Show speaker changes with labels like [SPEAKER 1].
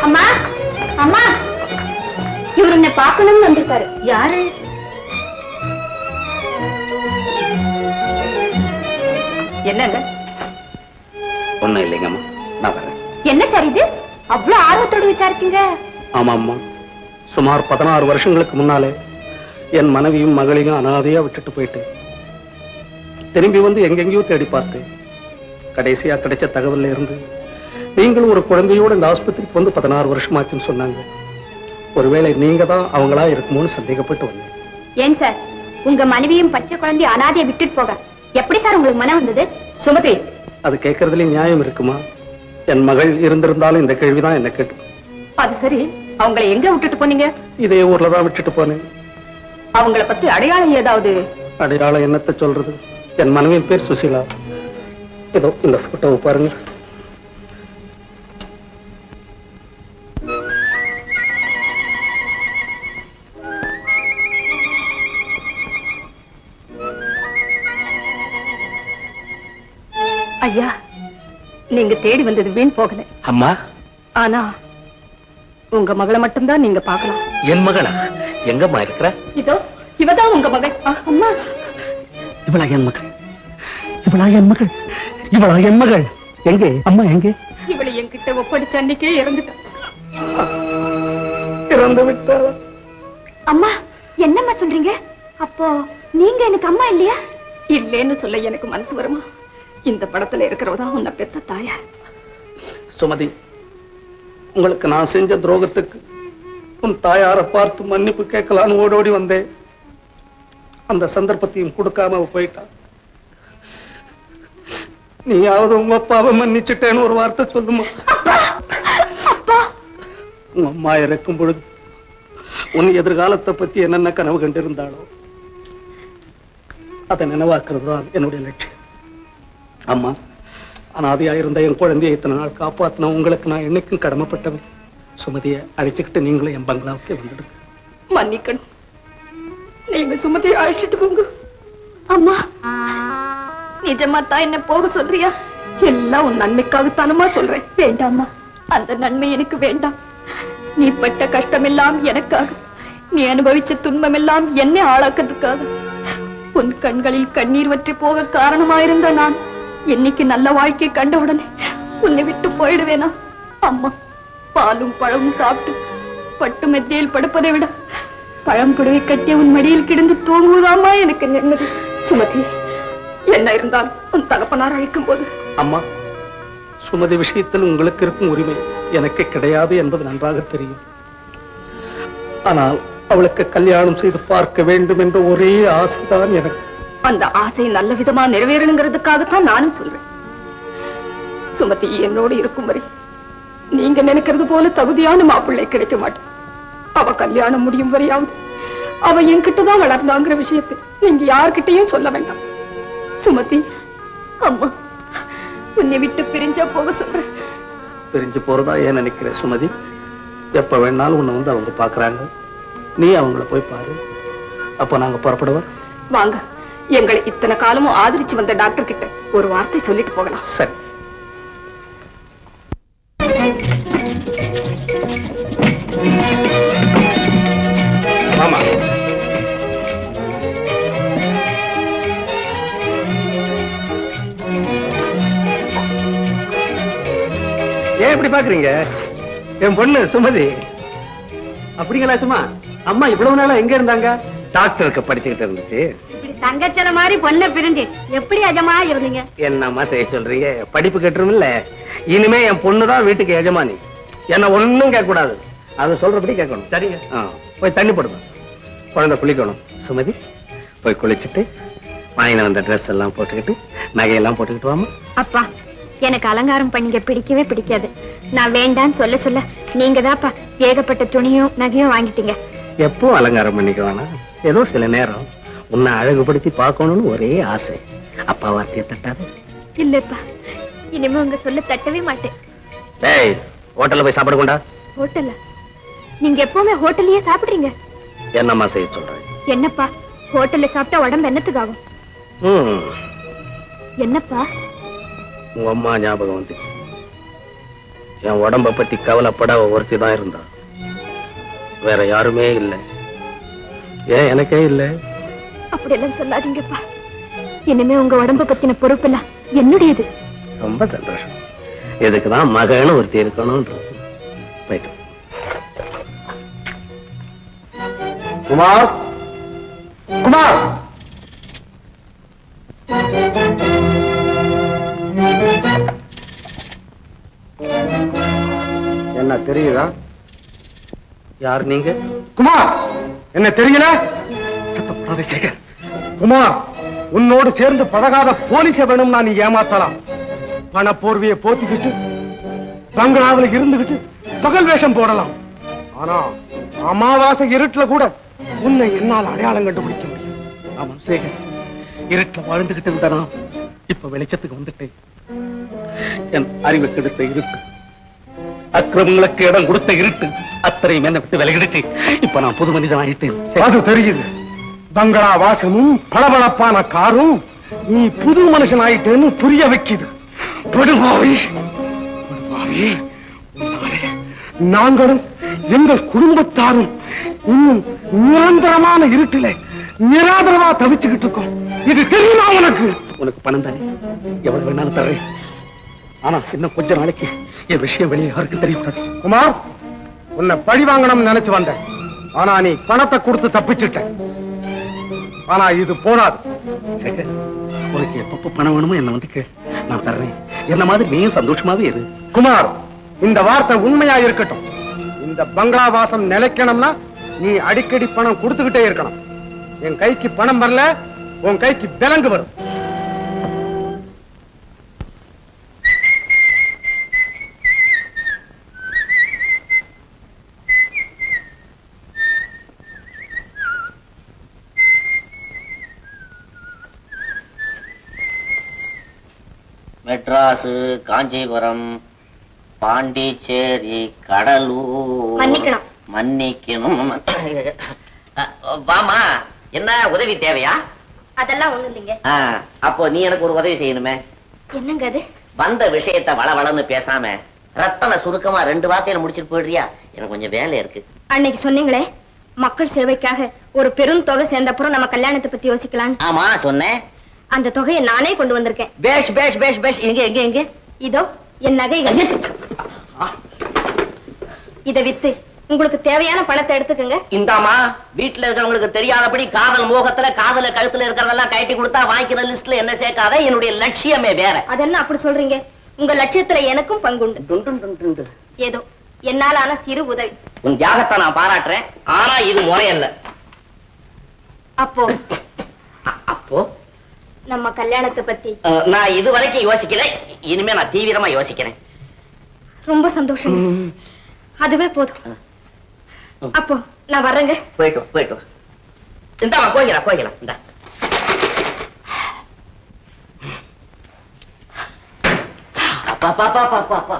[SPEAKER 1] அம்மா அம்மா, இவர் உன்னை பார்க்கணும்னு வந்திருக்காரு. யாரு? என்னங்க?
[SPEAKER 2] ஒண்ணும் இல்லைங்கம்மா, நான் வரேன்.
[SPEAKER 1] என்ன சார் இது அவ்வளவு ஆர்வத்தோடு விசாரிச்சீங்க?
[SPEAKER 2] ஆமாம்மா, சுமார் 16 வருஷங்களுக்கு முன்னாலே என் மனைவியும் மகளையும் அனாதையா விட்டுட்டு போயிட்டு திரும்பி வந்து எங்கெங்கயோ தேடி பார்த்தேன். கடைசியா கிடைச்ச தகவல்ல இருந்து நீங்களும் ஒரு குழந்தையோட இந்த ஆஸ்பத்திரிக்கு வந்து 16 வருஷமாச்சுன்னு சொன்னாங்க. ஒருவேளை நீங்க தான் அவங்களா இருக்குமோன்னு சந்தேகப்பட்டு வந்தேன்.
[SPEAKER 1] ஏன் சார், உங்க மனைவியும் பச்சை குழந்தைய அனாதையை விட்டுட்டு போக எப்படி சார் உங்களுக்கு மனம் வந்தது? சுமதி,
[SPEAKER 2] அது கேட்கறதுல நியாயம் இருக்குமா? என் மகள் இருந்திருந்தாலும் இந்த கேள்விதான் என்ன கேட்டு.
[SPEAKER 1] அது சரி, அவங்களை எங்க விட்டுட்டு போனீங்க?
[SPEAKER 2] இதே ஊர்ல தான் விட்டுட்டு போனேன்.
[SPEAKER 1] அவங்கள பத்தி அடையாளம் ஏதாவது?
[SPEAKER 2] அடையாளம் என்னத்தை சொல்றது? என் மனைவியின் பேர் சுசீலா. ஏதோ இந்த போட்டோவை பாருங்க.
[SPEAKER 1] ஐயா, நீங்க தேடி வந்தது வீண் போகல.
[SPEAKER 2] அம்மா,
[SPEAKER 1] ஆனா உங்க மகளை மட்டும்தான் நீங்க பார்க்கலாம்.
[SPEAKER 2] என் மகளா? எங்கம்மா இருக்கிற?
[SPEAKER 1] இதோ இவதான் உங்க மகள். அம்மா,
[SPEAKER 2] இவளா என் மகள்? இவளா என் மகள்? இவளா என் மகள்? எங்கே அம்மா, எங்கே?
[SPEAKER 1] இவளை என்கிட்ட ஒப்படைச்ச அன்னைக்கே இறந்துட்டான்.
[SPEAKER 2] இறந்து விட்டாள்.
[SPEAKER 1] அம்மா, என்னம்மா சொல்றீங்க? அப்போ நீங்க எனக்கு அம்மா இல்லையா? இல்லேன்னு சொல்ல எனக்கு மனசு வருமா? இந்த படத்துல இருக்கிறவதா உன்னை பெத்த தாயார்.
[SPEAKER 2] சுமதி, உங்களுக்கு நான் செஞ்ச துரோகத்துக்கு உன் தாயாரை பார்த்து மன்னிப்பு கேட்கலான்னு ஓடோடி வந்தேன். அந்த சந்தர்ப்பத்தையும் கொடுக்காம போயிட்டா. நீயாவது உங்க அப்பாவை மன்னிச்சுட்டேன்னு ஒரு வார்த்தை சொல்லுமா? உங்க அம்மா இறக்கும் பொழுது உன் எதிர்காலத்தை பத்தி என்னென்ன கனவு கண்டிருந்தாளோ அதை நினைவாக்குறது தான் என்னுடைய லட்சியம். அம்மா, அனாதையா இருந்த என் குழந்தையை இத்தனை நாள் காப்பாத்தின உங்களுக்கு நான் என்னைக்கும் கடமைப்பட்டவன். சுமதியை அழைச்சுக்கிட்டு நீங்களும் என் பங்களாவுக்கு வந்துடுங்க.
[SPEAKER 1] மன்னிக்கணும், நீங்க சுமதியை அழைச்சிட்டு போங்க. அம்மா, நிஜமா தான் என்ன போக சொல்றியா? எல்லாம் உன் நன்மைக்காகத்தானமா சொல்றேன். வேண்டாம்மா, அந்த நன்மை எனக்கு வேண்டாம். நீ பட்ட கஷ்டம் எல்லாம் எனக்காக, நீ அனுபவிச்ச துன்பம் எல்லாம் என்னை ஆளாக்கிறதுக்காக. உன் கண்களில் கண்ணீர் வற்றி போக காரணமாயிருந்த நான் என்னைக்கு நல்ல வாழ்க்கை கண்ட உடனே உன்னை விட்டு போயிடுவேனா? அம்மா, பாலும் பழமும் சாப்பிட்டு பட்டு மெத்தையில் படுப்பதை விட பழம் புடவை கட்டிய உன் மடியில் கிடந்து தூங்குவதாமா எனக்கு நிம்மதி. சுமதி, என்ன இருந்தாலும் உன் தகப்பனார் அழைக்கும் போது.
[SPEAKER 2] அம்மா, சுமதி விஷயத்தில் உங்களுக்கு இருக்கும் உரிமை எனக்கு கிடையாது என்பது நன்றாக தெரியும். ஆனால் அவளுக்கு கல்யாணம் செய்து பார்க்க வேண்டும் என்ற ஒரே ஆசைதான் எனக்கு.
[SPEAKER 1] அந்த ஆசை நல்ல விதமா நிறைவேறணுங்கிறதுக்காகத்தான் நானும் சொல்றேன். சுமதி என்னோடு இருக்கும் வரை நீங்க நினைக்கிறது போல தகுதியான மாப்பிள்ளை கிடைக்க மாட்டேன். அவ கல்யாணம் முடியும் வரையாவது அவ என்கிட்டதான் வளர்ந்தாங்கிற விஷயத்தை நீங்க யார்கிட்டையும் சொல்ல வேண்டாம். சுமதி, அம்மா உன்னை விட்டு பிரிஞ்சா போக சொல்றேன்.
[SPEAKER 2] பிரிஞ்சு போறதா ஏன் நினைக்கிற சுமதி? எப்ப வேணாலும் உன்னை வந்து அவங்க பாக்குறாங்க, நீ அவங்கள போய் பாரு. அப்ப நாங்க புறப்படுவோம்.
[SPEAKER 1] வாங்க, எங்களை இத்தனை காலமும் ஆதரிச்சு வந்த டாக்டர் கிட்ட ஒரு வார்த்தை சொல்லிட்டு போகலாம்.
[SPEAKER 2] சரி. ஆமா, ஏன் இப்படி பாக்குறீங்க? என் பொண்ணு சுமதி. அப்படிங்களா? சும்மா அம்மா இவ்வளவு நாளா எங்க இருந்தாங்க? டாக்டருக்கு படிச்சுக்கிட்டு இருந்துச்சு.
[SPEAKER 1] தங்கச்சன மாதிரி பொண்ணை பிரிஞ்சு எப்படி எஜமா இருந்தீங்க?
[SPEAKER 2] என்னம்மா செய்ய சொல்றீங்க? படிப்பு கட்டுரும் இல்ல. இனிமே என் பொண்ணுதான் வீட்டுக்கு எஜமானி. என்ன ஒண்ணும் கேட்க கூடாது, அதை சொல்றபடி கேட்கணும். சரிங்க. போய் தண்ணி போடுங்க, குழந்தை குளிக்கணும். சுமதி, போய் குளிச்சுட்டு வாங்கின வந்த ட்ரெஸ் எல்லாம் போட்டுக்கிட்டு நகையெல்லாம் போட்டுக்கிட்டு வாமா.
[SPEAKER 1] அப்பா, எனக்கு அலங்காரம் பண்ணிக்க பிடிக்கவே பிடிக்காது. நான் வேண்டான்னு சொல்ல சொல்ல நீங்க தான்ப்பா ஏகப்பட்ட துணியும் நகையும் வாங்கிட்டீங்க.
[SPEAKER 2] எப்போ அலங்காரம் பண்ணிக்க வேணாம், ஏதோ சில நேரம் உன்னை அழகுபடுத்தி பார்க்கணும்னு ஒரே ஆசை. அப்பா வார்த்தையை தட்டாது.
[SPEAKER 1] இல்லப்பா, இனிமே உங்க சொல்ல தட்டவே மாட்டேன்.
[SPEAKER 2] டேய், ஹோட்டல்ல போய் சாப்பிட கொண்டா.
[SPEAKER 1] ஹோட்டல்ல? நீங்க எப்பவுமே ஹோட்டல்லயே சாப்பிடுறீங்க.
[SPEAKER 2] என்னம்மா செய்ய சொல்றேன்?
[SPEAKER 1] என்னப்பா, ஹோட்டல்ல சாப்பிட்டா உடம்பு என்னத்துக்கு ஆகும்? என்னப்பா?
[SPEAKER 2] உங்க அம்மா ஞாபகம் வந்துச்சு. என் உடம்ப பத்தி கவலைப்பட ஒருத்தி தான் இருந்தா, வேற யாருமே இல்லை. ஏன் எனக்கே இல்லை?
[SPEAKER 1] அப்படி எல்லாம் சொல்லாதீங்கப்பா. இனிமே உங்க உடம்ப பத்தின பொறுப்பு என்னுடையது.
[SPEAKER 2] ரொம்ப சந்தோஷம். இதுக்குதான் மகன்னு ஒருத்தி இருக்கணும். போயிட்டு குமார், குமார், என்ன தெரியுதா? யார் நீங்க?
[SPEAKER 3] குமார், என்ன தெரியல? சத்தப்படாதே சேகர். குமார், உன்னோடு சேர்ந்து பழகாத போலீஸ வேணும்னா நீ ஏமாத்தலாம். பண போர்வையை போத்திக்கிட்டு பங்களாவில் இருந்துகிட்டு பகல் வேஷம் போடலாம். ஆனா அமாவாசை இருட்டுல கூட உன்னை என்னால் அடையாளம் கண்டுபிடிக்க முடியும்.
[SPEAKER 2] ஆமாம் சேகர், இருட்டுல வாழ்ந்துகிட்டு இருந்தானா இப்ப வெளிச்சத்துக்கு வந்துட்டேன். என் அறிவு கெடுத்த இருட்டு, அக்கிரமங்களுக்கு இடம் கொடுத்த இருட்டு அத்தனையும் என்ன விட்டு விலகிடுச்சு. இப்ப நான் புது மனிதன் ஆயிட்டேன்.
[SPEAKER 3] அது தெரியுது. பங்களா வாசமும் பளபளப்பான காரும் நீ புது மனுஷன் ஆயிட்டேன்னு புரிய வைக்குது. படுபாவி, படுபாவி. உன்னாலே நாங்களும் எங்கள் குடும்பத்தாரும் இன்னும் நிரந்தரமான இருட்டில நிராதரவா தவிச்சுக்கிட்டு இருக்கோம். இது தெரியுமா உனக்கு?
[SPEAKER 2] உனக்கு பணம் தானே, எவ்வளவு வேணாலும் தர்றேன். ஆனா இன்னும் கொஞ்ச நாளைக்கு என் விஷயம் வெளியே யாருக்கும் தெரியக்கூடாது.
[SPEAKER 3] குமார், உன்னை பழி வாங்கணும்னு நினைச்சு வந்தேன். ஆனா நீ பணத்தை கொடுத்து தப்பிச்சுட்ட. ஆனா இது போனாது.
[SPEAKER 2] சேகர், உனக்கு எப்பப்ப பணம் வேணுமோ என்ன வந்து கேள், நான் தர்றேன். என்ன மாதிரி நீயும் சந்தோஷமாவே இரு.
[SPEAKER 3] குமார், இந்த வார்த்தை உண்மையா இருக்கட்டும். இந்த பங்களா வாசம் நிலைக்கணும்னா நீ அடிக்கடி பணம் கொடுத்துக்கிட்டே இருக்கணும். என் கைக்கு பணம் வரல, உன் கைக்கு விலங்கு வரும்.
[SPEAKER 4] மெட்ராஸ், காஞ்சிபுரம், பாண்டிச்சேரி, கடலூர்.
[SPEAKER 1] மன்னிக்கணும்.
[SPEAKER 4] மன்னிக்கணும். வாமா, என்ன உதவி தேவையா?
[SPEAKER 1] அதெல்லாம் ஒண்ணு இல்லைங்க.
[SPEAKER 4] அப்போ நீ எனக்கு ஒரு உதவி செய்யணுமே.
[SPEAKER 1] என்னங்க அது?
[SPEAKER 4] வந்த விஷயத்தை வளவளன்னு பேசாம ரத்தன சுருக்கமா 2 வார்த்தையில முடிச்சிட்டு போயிடுறியா? எனக்கு கொஞ்சம் வேலை இருக்கு.
[SPEAKER 1] அன்னைக்கு சொன்னீங்களே, மக்கள் சேவைக்காக ஒரு பெரும் தொகை சேர்ந்தப்புறம் நம்ம கல்யாணத்தை பத்தி யோசிக்கலாம்.
[SPEAKER 4] ஆமா சொன்னேன்.
[SPEAKER 1] அந்த தொகையை நானே கொண்டு வந்திருக்கேன்.
[SPEAKER 4] பேஷ் பேஷ் பேஷ் பேஷ். எங்க எங்க எங்க?
[SPEAKER 1] இதோ என் நகைகள். இதை வித்து உங்களுக்கு தேவையான பணத்தை எடுத்துக்கங்க.
[SPEAKER 4] இந்தாமா, வீட்டுல இருக்கிறவங்களுக்கு தெரியாதபடி காதல் மோகத்துல காதல கழுத்துல இருக்கிறதெல்லாம் கட்டி கொடுத்தா வாங்கிக்கிற லிஸ்ட்ல என்ன சேர்க்காத. என்னுடைய லட்சியமே வேற.
[SPEAKER 1] அதென்ன அப்படி சொல்றீங்க? உங்க லட்சியத்துல எனக்கும் பங்குண்டு. ஏதோ என்னால ஆன சிறு உதவி.
[SPEAKER 4] உன் தியாகத்தை நான் பாராட்டுறேன். ஆனா இது முறையல்ல.
[SPEAKER 1] அப்போ
[SPEAKER 4] அப்போ
[SPEAKER 1] நம்ம கல்யாணத்தை பத்தி
[SPEAKER 4] நான் இது வரைக்கும் யோசிக்கல. இனிமே நான் தீவிரமா யோசிக்கிறேன்.
[SPEAKER 1] ரொம்ப சந்தோஷம். அதுவே போதும். அப்போ நான் வர்றேங்க.
[SPEAKER 4] போயிட்டு போயிட்டு. இந்தாமா, போய்க்கலாம் போய்க்கலாம். இந்த அப்பா